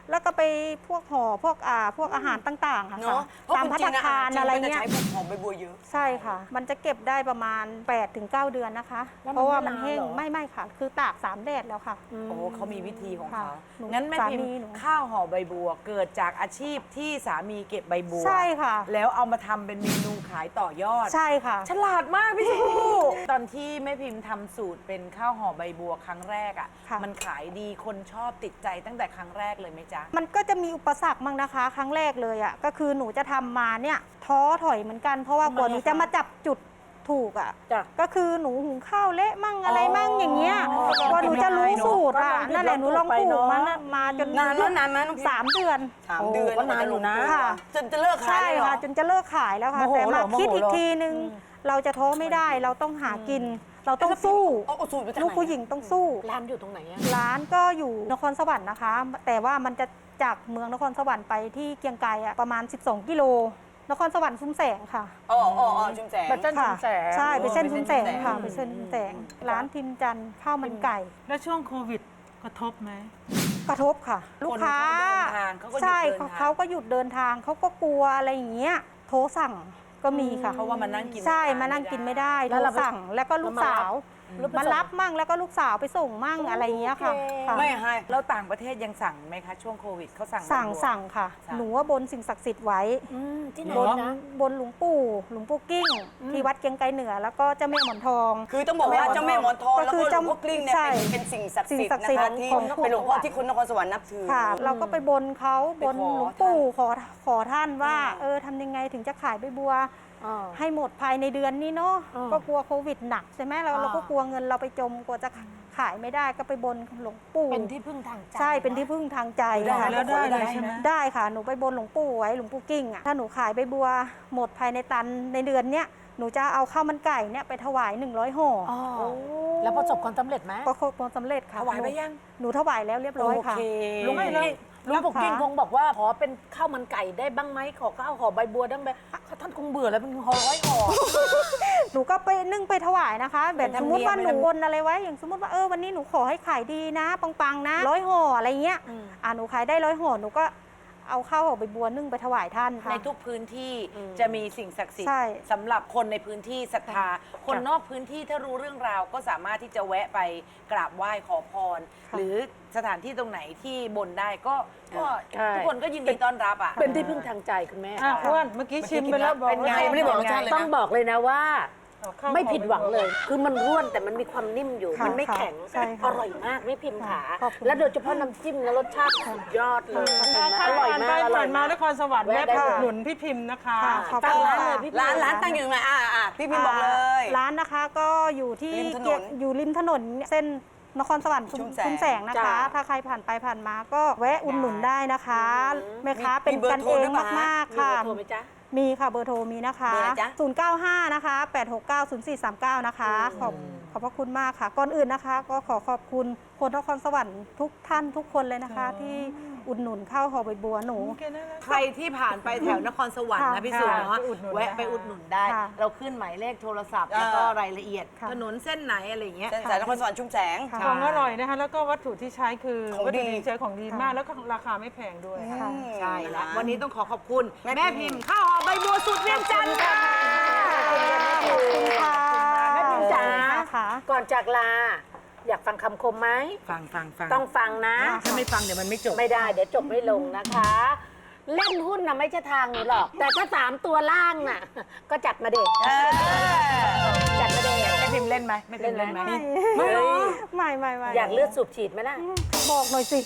Speaker 4: แล้วก็ไปพวกห่อพวกอ่าพวกอาหารต่างๆค่ะ
Speaker 3: เนาะเพราะ
Speaker 4: ตาม
Speaker 3: จ
Speaker 4: ภัต
Speaker 3: ริ
Speaker 4: ตาง
Speaker 3: ๆ
Speaker 4: คารอะไร
Speaker 3: จงๆก็จ
Speaker 4: เงี้ย
Speaker 3: ใช้พวกหอมใบบัวเยอะ
Speaker 4: ใช่ค่ะ มันจะเก็บได้ประมาณ แปดถึงเก้า เดือนนะคะ
Speaker 6: แล้วมัน
Speaker 4: เพราะว่ามัน
Speaker 6: ไม่นาน
Speaker 4: แห้ง
Speaker 6: เหรอ
Speaker 4: ไม่ไม่ค่ะ คือตากสามแดดแล้วค่ะ
Speaker 2: โอ้เขามีวิธีของเขา
Speaker 4: ค่ะหนู
Speaker 2: งั้นแม่พิม
Speaker 4: สามี
Speaker 2: พ์
Speaker 4: หนู
Speaker 2: ข้าวห่อใบบัวเกิดจากอาชีพที่สามีเก็บใบบัว
Speaker 4: ใช่ค่ะ
Speaker 2: แล้วเอามาทำเป็นเมนูขายต่อยอด
Speaker 4: ใช่ค่ะ
Speaker 2: ฉลาดมากพี่ชูตอนที่แม่พิมพ์ทำสูตรเป็นข้าวห่อใบบัวครั้งแรกอ่ะ
Speaker 4: ค่ะ
Speaker 2: มันขายดีคนชอบติดใจตั้งแต่ครั้งแรกเลยไหมจ๊ะ
Speaker 4: มันก็จะมีอุปสรรคบ้างนะคะ ครั้งแรกเลยอ่ะก็คือหนูจะทำมาเนี่ยท้อถอยเหมือนกัน เพราะว่ากว่าหนูจะมาจับจุดถูกอ่ะ
Speaker 6: จ้ะ
Speaker 4: ก็คือหนูหุงข้าวเละมั่งอะไรมั่งอย่างเงี้ยกว่าหนูจะรู้สูตรอ่ะนั่นแหละหนูลองปลูกมานะมาจน
Speaker 3: นานไหมนานไหมน้องพิม
Speaker 4: สามเดือน
Speaker 3: สามเดือน
Speaker 2: โอ้ก็นานอยู่นะ
Speaker 4: ค่ะ
Speaker 3: จนจะเลิกขาย
Speaker 4: ใช่
Speaker 3: เลยเหรอ
Speaker 4: ค่ะ จนจะเลิกขายแล้วค่ะ
Speaker 2: โมโห
Speaker 4: แต่
Speaker 2: เหร
Speaker 4: มา
Speaker 2: อโมโห
Speaker 4: คิดอี
Speaker 2: เห
Speaker 4: ก
Speaker 2: รอ
Speaker 4: ทีนึง เราจะท้อไม่ได้เราต้องหากิน เราต้องสู้
Speaker 3: เอาเอาสูตรมาจากไหน
Speaker 4: ลูกผู้หญิงต้องสู้
Speaker 6: ร้านอยู่ตรงไหนอะ
Speaker 4: ร้านก็อยู่นครสวรรค์นะคะ แต่ว่ามันจะจากเมืองนครสวรรค์ไปที่เกียงไกรอะประมาณ สิบสอง กิโล นครสวรรค์ซุ้มแสงค่ะ
Speaker 3: อ๋ออ๋ออ๋อชุมแสง
Speaker 2: แบบเส้นชุมแสง
Speaker 4: ใช่เป็นเส้น
Speaker 3: โอ้
Speaker 4: ซุ้มแสงค่ะ
Speaker 3: เป็
Speaker 4: เป็น
Speaker 3: นเส้
Speaker 4: เส้น
Speaker 3: น
Speaker 4: ซุ้มแสง ร้านพิมพ์จันทร์ข้าวมันไก่
Speaker 10: แล้วช่วงโควิดกระทบไหม
Speaker 4: กระทบค่ะ ลูกค้า
Speaker 2: คนเขาเดินทางเขาก็หยุด
Speaker 4: ใช่
Speaker 2: เดินทาง
Speaker 4: เขาก็หยุดเดินทางเขาก็กลัวอะไรอย่างเงี้ยโทรสั่งก็มีค่ะ
Speaker 2: เพราะว่ามานั่งกิน
Speaker 4: ใช่
Speaker 2: ไม่ได้
Speaker 4: มานั่งกินไม่ได้
Speaker 6: แล้
Speaker 4: โท
Speaker 6: ว
Speaker 4: ร
Speaker 6: เราไป
Speaker 4: สั่งแล้วก็ลูกสาว
Speaker 6: แล้วไป
Speaker 4: มา
Speaker 6: ส่ง
Speaker 4: รับมั่งแล้วก็ลูกสาวไปส่งมั่งอะไรอย่างเงี้ยค่ะค่ะ
Speaker 3: ไม่ให้
Speaker 2: แล้วต่างประเทศยังสั่งไหมคะ ช่วงโควิดเขาสั่ง
Speaker 4: สั่ง
Speaker 2: ใบบัว
Speaker 4: สั่งค่ะ
Speaker 2: สั่ง
Speaker 4: หนูว่าบนสิ่งศักดิ์สิทธิ์ไว้
Speaker 6: อืมที่ไหน
Speaker 4: บน
Speaker 6: นะ
Speaker 4: บนหลวงปู่หลวงปู่กิ้ง ที่วัดเกียงไกรเหนือ แล้วก็เจ้าแม่หมอนทอง
Speaker 3: คือต้องบอกว่าเจ้าแม่หมอนทอง
Speaker 4: ก็
Speaker 3: แล้ว
Speaker 4: คื
Speaker 3: ก็
Speaker 4: อ
Speaker 3: หลวงพ่อกลิ้งเนี่ย
Speaker 4: ใช่
Speaker 3: เป็นเป็นสิ่งศักดิ์
Speaker 4: สิ่
Speaker 3: สิ
Speaker 4: ง
Speaker 3: ทธิ์
Speaker 4: ศักดิ์
Speaker 3: นะ
Speaker 4: สิทธิ์
Speaker 3: คะที่
Speaker 4: ของ
Speaker 3: เป็นหลวงพ่อที่คนนครสวรรค์นับถือ
Speaker 4: ค่ะ เราก็ไปบนเขาบน
Speaker 3: ไปขอ
Speaker 4: หลวงปู่ข
Speaker 3: ท่า
Speaker 4: อขอท่านว่า เออทำยังไงถึงจะขายใบบัว
Speaker 6: อ่า
Speaker 4: ให้หมดภายในเดือนนี้เนาะ
Speaker 6: อ่า
Speaker 4: ก็กลัวโควิดหนักใช่ไหมเรา
Speaker 6: อ่า
Speaker 4: เราก็กลัวเงินเราไปจมกลัวจะขายไม่ได้ก็ไปบนหลวงปู่
Speaker 6: เป็นที่พึ่งทางใจ
Speaker 4: ใช่เป็นที่พึ่งทางใจ
Speaker 3: ได้
Speaker 4: ค่ะ
Speaker 10: แล้วได้เลยใช่ไหม
Speaker 4: ได้ค่ะหนูไปบนหลวงปู่ไว้หลวงปู่กิ้งอ่ะถ้าหนูขายใบบัวหมดภายในตันในเดือนเนี้ยหนูจะเอาข้าวมันไก่เนี่ยไปถวายหนึ่งร้อยห่อ
Speaker 6: อ๋อแล้วประสบความสำเร็จไหม
Speaker 4: ประสบความสำเร็จค่ะ
Speaker 2: ถวายไปยัง
Speaker 4: หนูถวายแล้วเรียบร้อยค่ะ
Speaker 2: โอเค
Speaker 6: ลุง
Speaker 10: ไม่
Speaker 6: ไม่
Speaker 10: แล้ว
Speaker 6: ลุงปกกิ้งคงบอกว่าขอเป็นข้าวมันไก่ได้บ้างไหมขอข้าวห่อใบบัวได้ไหมท่านคงเบื่อแล้วเป็นห่อร้อยห่อ
Speaker 4: หนูก็ไปนึ่งไปถวายนะคะ แบบ
Speaker 2: เป็นธร
Speaker 4: ส
Speaker 2: ร
Speaker 4: ม
Speaker 2: ม
Speaker 4: มติว่า
Speaker 2: เนี
Speaker 4: ห
Speaker 2: ย
Speaker 4: นู
Speaker 2: ม
Speaker 4: บนอะไรไว้อย่างสมมติว่าเออวันนี้หนูขอให้ขายดีนะปังๆนะร้อยห่ออะไรเงี้ยอ่าหนูขายได้ร้อยห่อหนูก็เอาข้าวห่อใบบัวนึ่งไปถวายท่านค่ะ
Speaker 2: ในทุกพื้นที่จะมีสิ่งศักดิ์สิท
Speaker 4: ใช่
Speaker 2: ธิ์สำหรับคนในพื้นที่ศรัทธา คนนอกพื้นที่ถ้ารู้เรื่องราวก็สามารถที่จะแวะไปกราบไหว้ขอพร หรือสถานที่ตรงไหนที่บนได้ก็ก็
Speaker 6: ใช่
Speaker 2: ทุกคนก็ยินดีต้อนรับอ่ะ
Speaker 6: เป็นที่พึ่งทางใจคุณแม่
Speaker 10: อ่ะอ้วนเมื่อกี้ชิมไปแล้วบอก
Speaker 2: เป็นไง
Speaker 10: ว่า
Speaker 3: ไม่ได้บอกรสชาติเลยนะ
Speaker 6: ต้องบอกเลยนะว่า
Speaker 10: เอาข้าว
Speaker 6: ไม่ผิดหวังเลย คือมันร่วนแต่มันมีความนิ่มอยู่
Speaker 4: ค่ะ
Speaker 6: มันไม่แข็ง
Speaker 4: ใช่ค่ะ
Speaker 6: อร่อยมากไม่พิมพ์ขา
Speaker 4: ขอบคุณ
Speaker 6: และโดยเฉพาะน้ำจิ้มและรสชาติสุดยอดเลย
Speaker 10: ใคร
Speaker 6: อร่อย
Speaker 10: ผ่าน
Speaker 6: มา
Speaker 10: ไป
Speaker 6: กอร่
Speaker 10: ผ่า
Speaker 6: อน ย
Speaker 10: มาม
Speaker 6: าก
Speaker 10: นครสวรรค์
Speaker 6: แวะ
Speaker 10: แวะ
Speaker 6: ได้
Speaker 10: ไป
Speaker 6: เลย
Speaker 10: อุดหนุนพี่พิมพ์นะคะ
Speaker 4: ค่ะขอบ
Speaker 6: ตั้
Speaker 4: คุ
Speaker 6: ง
Speaker 4: ณ
Speaker 6: ร้าน
Speaker 4: ค่ะ
Speaker 6: เลยพี่พิมพ์
Speaker 3: ร้านร้านตั้งอยู่ตรงไหนอ่าอ่าพี่พิมพ์บอกเลย
Speaker 4: ร้านนะคะก็อยู่ที่
Speaker 3: ริมถนน
Speaker 4: เกียรติอยู่ริมถนนเส้นนครสวรรค์ชุม
Speaker 3: ชุมแสง
Speaker 4: ชุมแสงนะคะ
Speaker 6: จ้ะ
Speaker 4: ถ้าใครผ่านไปผ่านมาก็แวะอุดหนุนได้นะคะแม่ค้า
Speaker 3: มี
Speaker 4: เป็น
Speaker 3: มีเบอร์
Speaker 4: กัน
Speaker 3: โทร
Speaker 4: เอง
Speaker 3: ด้วยปะ
Speaker 4: มาก
Speaker 6: มี
Speaker 4: ๆค่ะ
Speaker 6: เบอร์โทรไหมจ๊ะ
Speaker 4: มีค่ะเบอร์โทรมีนะคะ
Speaker 3: เบอร์อะไรจ๊ะ
Speaker 4: ศูนย์เก้าห้านะคะ แปดหกเก้า ศูนย์สี่สามเก้า นะคะ ขอบขอบพระคุณมากค่ะ ก่อนอื่นนะคะ ก็ขอขอบคุณคนนครสวรรค์ทุกท่านทุกคนเลยนะคะ ที่อุดหนุนข้าวห่อใบบัวหนู
Speaker 2: ใครที่ผ่านไปแถวนครสวรรค์นะ
Speaker 4: ค่ะ
Speaker 2: พี่สุเนาะ
Speaker 10: ไปอุดหนุน
Speaker 2: แวะ
Speaker 10: นะคะ
Speaker 2: ไปอุดหนุนได้
Speaker 4: ค่ะ
Speaker 2: เราขึ้นหมายเลขโทรศัพท์ แล้วก็รายละเอียด
Speaker 4: ค่ะ
Speaker 2: ถนนเส้นไหนอะไรอย่างเงี้ย
Speaker 3: เส้นสายนครสวรรค์ชุมแสง
Speaker 4: ค่ะ
Speaker 10: ของอร่อยนะคะ แล้วก็วัตถุที่ใช้คือ
Speaker 3: ของ
Speaker 10: วัตถุ
Speaker 3: ดี
Speaker 10: ที่ใช้ของดีมาก แล้วก็ราคาไม่แพงด้วย
Speaker 4: ค่ะ
Speaker 2: ใช่แล้ววันนี้ต้องขอขอบคุณ
Speaker 3: แม่
Speaker 2: แม่
Speaker 3: พิ
Speaker 2: พิ
Speaker 3: ม
Speaker 2: ม
Speaker 3: พ์
Speaker 2: พ์ข้าวหอมใบบัวสุดเวียงจันทร์ค่ะ
Speaker 4: ขอบคุณค่ะ
Speaker 6: แม่พิมพ์จ๋า
Speaker 4: ค่ะ
Speaker 6: ก่อนจากลา อยากฟังคำคมไหม
Speaker 2: ฟังฟังฟัง
Speaker 6: ต้องฟังนะ
Speaker 2: ถ้าไม่ฟังเดี๋ยวมันไม่จบ
Speaker 6: ไม่ได้เดี๋ยวจบไม่ลงนะคะ เล่นหุ้นนะไม่ใช่ทางหนูหรอก แต่ถ้าสามตัวล่างน่ะ ก็จัดมาเด็กจัดมาเด็ก
Speaker 2: แม่พิมพ์เล่นไหมแม่พิมพ์เล่นไหม
Speaker 4: ไม่หรอไม่ไม่ไม่
Speaker 6: อยากเลือดสูบฉีดไหมล่ะ
Speaker 4: บอกหน่อยสิ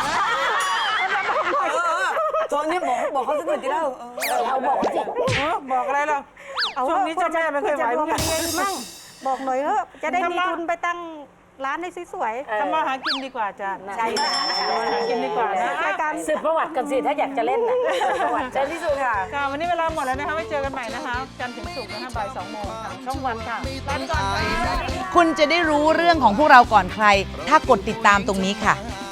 Speaker 3: ตอนนี้บอกบอกเขาสักหน่อยที่เล่าเออ
Speaker 6: เราบอกสิ
Speaker 10: เออบอกอะไรหรอก
Speaker 4: เอา
Speaker 10: ช่วงนี้เจ้าแม่ไม่เคยไหว
Speaker 4: จะ
Speaker 10: เห
Speaker 4: ร
Speaker 10: มื
Speaker 4: ว
Speaker 10: อ
Speaker 4: ม
Speaker 10: นกัน
Speaker 4: ยังไงมั่งบอกหน่อยเถอะจะได้มี
Speaker 10: ทำมา
Speaker 4: ทุนไปตั้งร้านให้สวย
Speaker 6: เออ
Speaker 10: ทำมาหากินดีกว่าจ้ะ
Speaker 6: ใช่นะ
Speaker 10: หากินดีกว่านะ
Speaker 4: ๆรายการ
Speaker 6: สืบประวัติกันสิถ้าอยากจะเล่นน่ะสืบประวัติ
Speaker 2: เชิญที่สุดค่ะ
Speaker 10: ค่ะวันนี้เวลาหมดแล้วนะคะไว้เจอกันใหม่นะคะ จันทร์ถึงศุกร์นะคะบ่ายสองโมงทางช่องวันค่ะลาไปก่อนค่ะ
Speaker 13: คุณจะได้รู้เรื่องของพวกเราก่อนใคร ถ้ากดติดตามตรงนี้ค่ะ